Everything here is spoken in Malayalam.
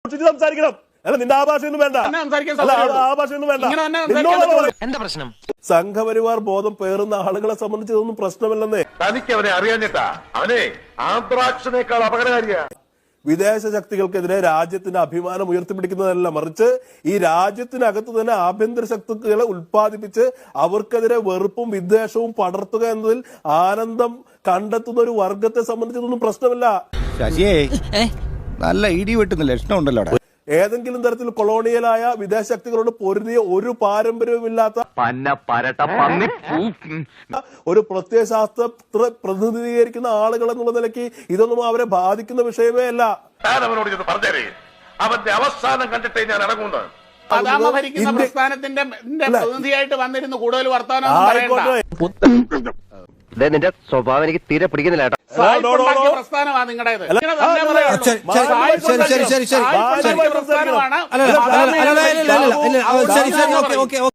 സംസാരിക്കണം. അല്ല, നിന്റെ ആ ഭാഷയൊന്നും വേണ്ട, ആ ഭാഷയൊന്നും വേണ്ട. എന്താ പ്രശ്നം? സംഘപരിവാർ ബോധം പേറുന്ന ആളുകളെ സംബന്ധിച്ച് ഇതൊന്നും പ്രശ്നമല്ലെന്നേ. തനിക്ക് അവനെ അറിയാഞ്ഞിട്ടാ. അവനെ ആന്ത്രാക്സിനേക്കാൾ അപകടകാരിയാ. വിദേശ ശക്തികൾക്കെതിരെ രാജ്യത്തിന്റെ അഭിമാനം ഉയർത്തിപ്പിടിക്കുന്നതല്ല, മറിച്ച് ഈ രാജ്യത്തിനകത്ത് തന്നെ ആഭ്യന്തര ശക്തികളെ ഉത്പാദിപ്പിച്ച് അവർക്കെതിരെ വെറുപ്പും വിദ്വേഷവും പടർത്തുക എന്നതിൽ ആനന്ദം കണ്ടെത്തുന്ന ഒരു വർഗത്തെ സംബന്ധിച്ചതൊന്നും പ്രശ്നമല്ല. നല്ല ഇടി വെട്ടുന്ന ലക്ഷണം ഉണ്ടല്ലോ. ഏതെങ്കിലും തരത്തിൽ കൊളോണിയലായ വിദേശ ശക്തികളോട് പൊരുതിയ ഒരു ഒരു പ്രത്യയശാസ്ത്ര പ്രതിനിധീകരിക്കുന്ന ആളുകൾ എന്നുള്ള നിലയ്ക്ക് ഇതൊന്നും അവരെ ബാധിക്കുന്ന വിഷയമേ അല്ല. അവനോട് ഇത് പറഞ്ഞേ, അവന്റെ അവസാനം കണ്ടിട്ടേ ഞാൻ ഇറങ്ങുന്നത്. ഭരിക്കുന്ന പ്രസ്ഥാനത്തിന്റെ പ്രതിനിധിയായിട്ട് വന്നിരുന്നു കൂടുതൽ വർത്തമാനം. നിന്റെ സ്വഭാവം എനിക്ക് തീരെ പിടിക്കുന്നില്ല കേട്ടോ. പ്രസ്ഥാനമാണ് നിങ്ങളുടേത്. ശരി